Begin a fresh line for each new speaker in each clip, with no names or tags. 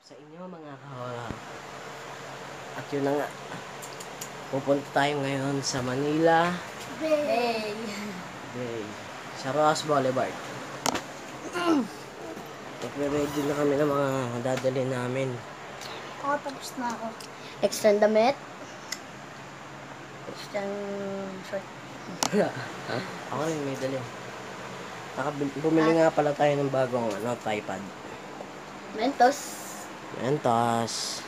sa inyo mga kahora. At yun na nga, pupunta tayo ngayon sa Manila
Bay.
sa Ross Boulevard. Nagre-ready na kami ng mga dadalhin namin.
Ako tapos na ako. Extend damit. Extend short.
Ako rin may dali. Bumili nga pala tayo ng bagong tripod.
Mentos.
Mentos.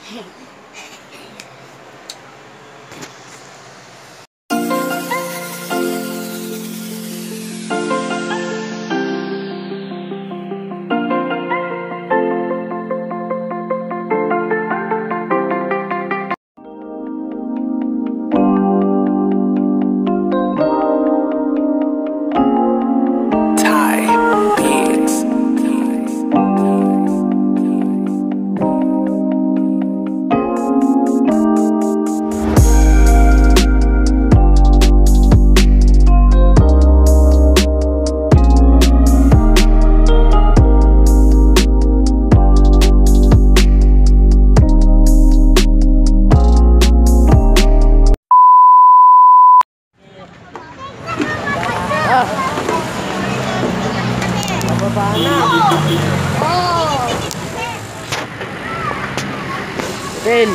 Bababa na.
Oh!
Phil.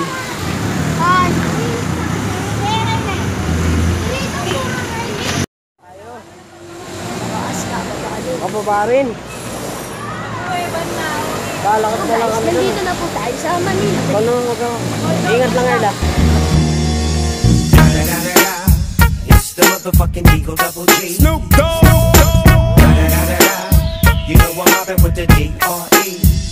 Bababa rin. Lalakad na lang kami.
Nandito na po tayo sa Manila.
Ingat lang Erla.
It's the motherfucking Eagle Double G. Snoop Dogg. You know I'm mobbing with the D.R.E.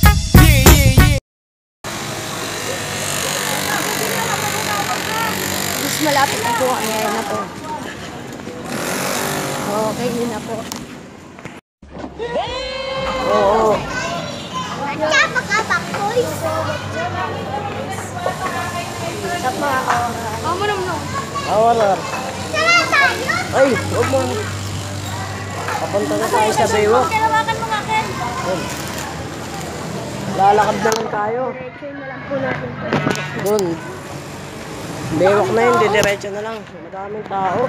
Mas malapit na po kami. Ayan na po. Okay, yun na po.
Oo.
Kapak-kapak, boys! Sa mga kamo naman.
Awalar. Ay, huwag mo. Papunta na tayo sa Baywalk.
Kalawakan mo nga, Ken.
Lalakad na lang tayo.
Diretso na lang po natin.
Doon. Baywalk na yun, didiretso na lang. Madaming tao.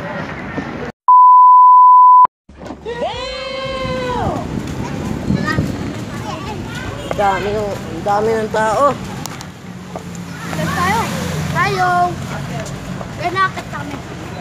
Ang dami ng tao.
Tayo. Tayo. Renakit kami.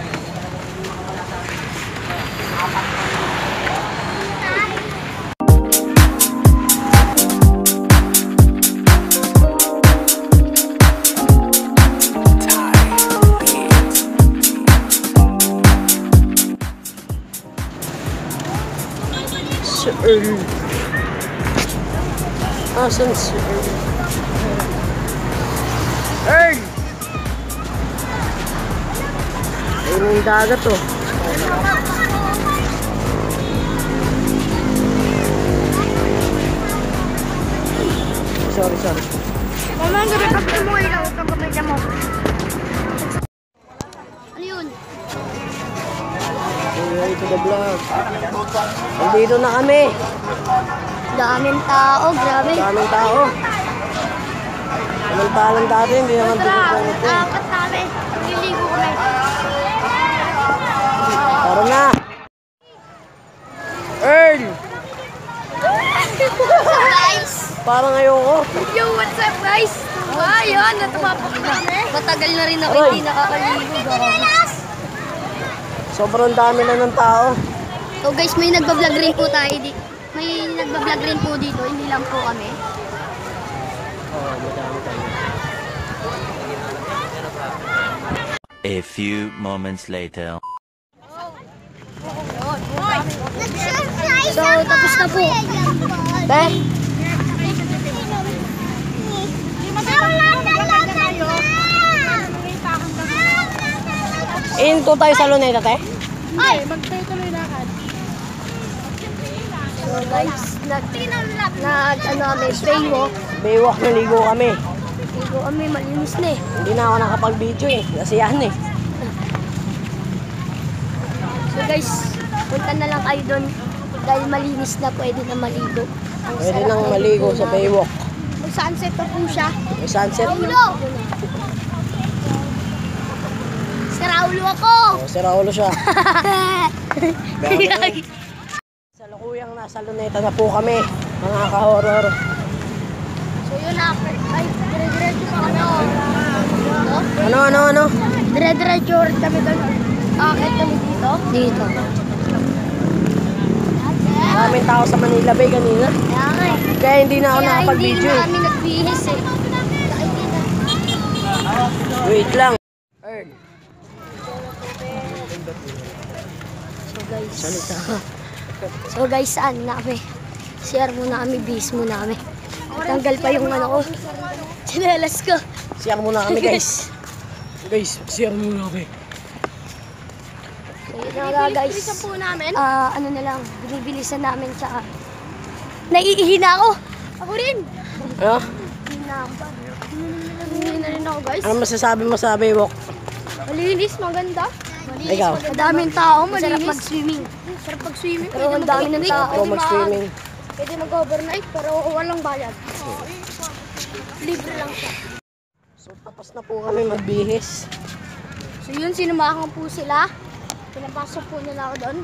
Si Earl. Asan si Earl? Earl! Ayun yung dagat oh. Sorry.
Mama, ang gabi pag mo ilaw itong kamay mo. Ano yun?
Hey to the vlog. Nandito na kami.
Daming tao, grabe.
Daming tao. Samantalang dati, hindi naman dito ganito.
Dapat namin. Liligo kami.
Tara na. Earl!
Guys!
Parang ayoko.
Yo, what's up guys? Ayun, natumapak kami. Matagal na rin ako hindi nakakaligo.
Sobrang dami na ng tao.
So guys, may nagbablog rin po tayo dito. May nagbablog rin po dito, hindi lang po kami.
Oh, madami tayo.
A few moments later.
So, tapos na po. Ben?
Into tayo sa Luneta, te?
Ay! Magtuloy lakad. So guys, kami, Baywalk.
Baywalk, naligo kami.
Ligo kami, malinis na eh.
Hindi na ako nakapag-video eh. Nasiyahan eh.
So guys, punta na lang kayo doon. Dahil malinis na, pwede na maligo. Ang
Pwede
sarap
nang
ng
maligo
ligo
sa
na.
Baywalk.
Ang sunset pa po siya.
May sunset.
Raulo! Si Raulo ako!
Oh, si Raulo siya. Sa lukuyang nasa Luneta na po kami, mga ka-horror.
So yun na, ay, dire-diretso pa kami.
Ano?
Dire-diretso kami doon. Akit kami dito. Dito.
Maraming tao sa Manila Bay kanina.
Kaya nga eh.
Kaya hindi na ako nakapag-video
Kaya
eh.
hindi na kami nagbihis eh.
Wait lang. Earn.
So guys.
Salita.
So guys, saan na kami? Share muna kami, bis muna kami. Tanggal pa yung ano ko. Chinelas ko.
Share muna kami guys. Guys, share muna kami.
So yun na nga guys.
po namin.
Ano na lang, binibilisan namin sa... Naiihi na ako! Ako rin!
Ano?
Hindi na rin ako guys.
Ano masasabi mo sa Baywalk?
Malinis, maganda.
Ikaw?
Madaming tao,
Masarap
malinis.
mag-swimming.
Sarap pag-swimming.
Pero ang dami ng tao.
Ikaw mag-swimming.
Pwede mag-overnight pero walang bayad. Libre lang siya.
So tapos na po kami magbihis.
So yun, sinamahan po sila. Pinapasok po nila ako doon.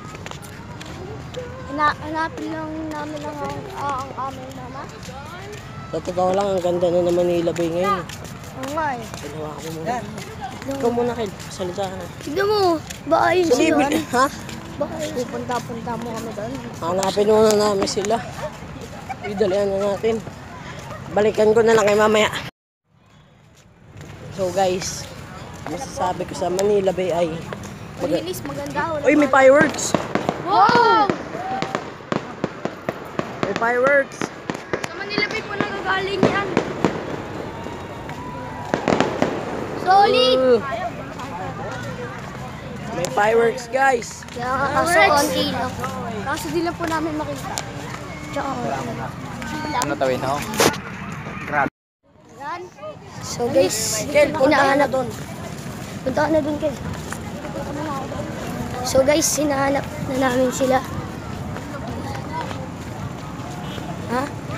Hanapin lang namin ang aming mama.
Sa totoo lang, ang ganda na ng Manila Bay ngayon.
Oo nga eh.
Ginawa ko muna. Ikaw muna, Kid. Salita ka na.
Tignan mo, baka yun
Sa
sila.
libre, ha?
Baka pupunta-punta mo kami doon.
Hanapin muna namin sila. Idalian na natin. Balikan ko na lang kay mamaya. So guys, masasabi ko sa Manila Bay ay...
Malinis, maganda.
Uy, may fireworks!
Wow!
May fireworks!
Sa Manila Bay po nagagaling yan.
Solid!
May fireworks, guys!
Kaya kaso konti lang.
Kaso di lang po namin makita. Tsaka,
So guys, hinahanap doon. Punta ka na doon, Kel. So guys, hinahanap na namin sila. Ha?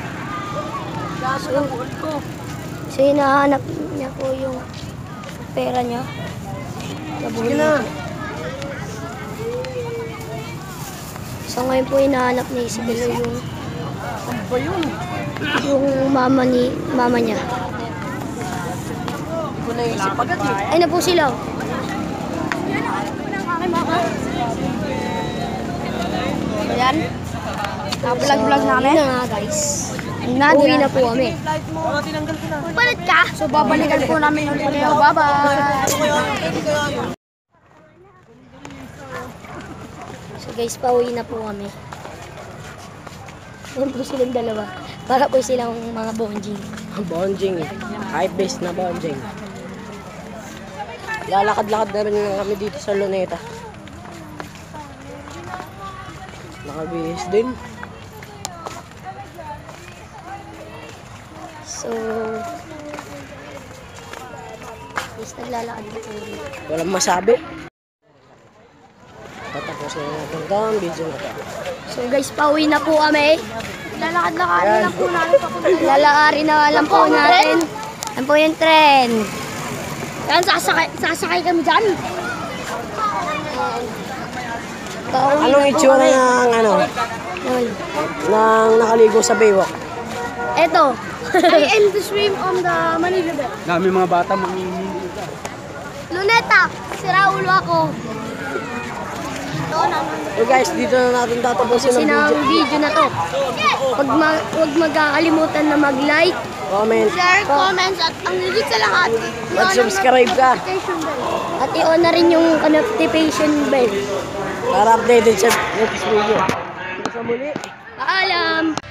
So hinahanap niya po yung pera niya.
Sige na!
So ngayon po hinahanap ni Isabel yung
Ano ba yun?
mama niya.
Hindi ko naisip agad eh.
Ay na po sila.
ayan. Vlog namin.
Yun na nga guys. Uwi na po kami.
Palit ka? So babalikan po namin ulit kayo. Bye-bye!
So guys, pauwi na po kami. Yan po silang dalawa. Para po silang mga bonjing.
Bonjing. Hype-based na bonjing. Lalakad-lakad na rin lang kami dito sa Luneta. Nakabihis din.
So, guys, naglalakad na po rin.
Walang masabi. Tatapusin na natin ito ang video na ito.
So guys, pauwi na po kami.
Lalakad-lakarin lang po namin papunta.
Lalakarin na lang po natin. Yan po yung tren.
Yan, sasakay kami dyan.
Pauwi
Anong
na po
itsura
kami.
ng ano?
Yun.
Nang nakaligo sa Baywalk?
Eto.
I aim to swim on the Manila Bay.
Dami mga bata mamimili.
Luneta, si Raulo ako.
So guys, dito na natin tatapusin
Kasi
ang
ng
video.
video na to. Huwag magkakalimutan na mag-like.
Comment.
Share, comments, at ang higit sa lahat,
Mag-subscribe ka
notification bell.
At i-on na rin yung notification bell.
para updated sa next video. Sa muli.
Paalam!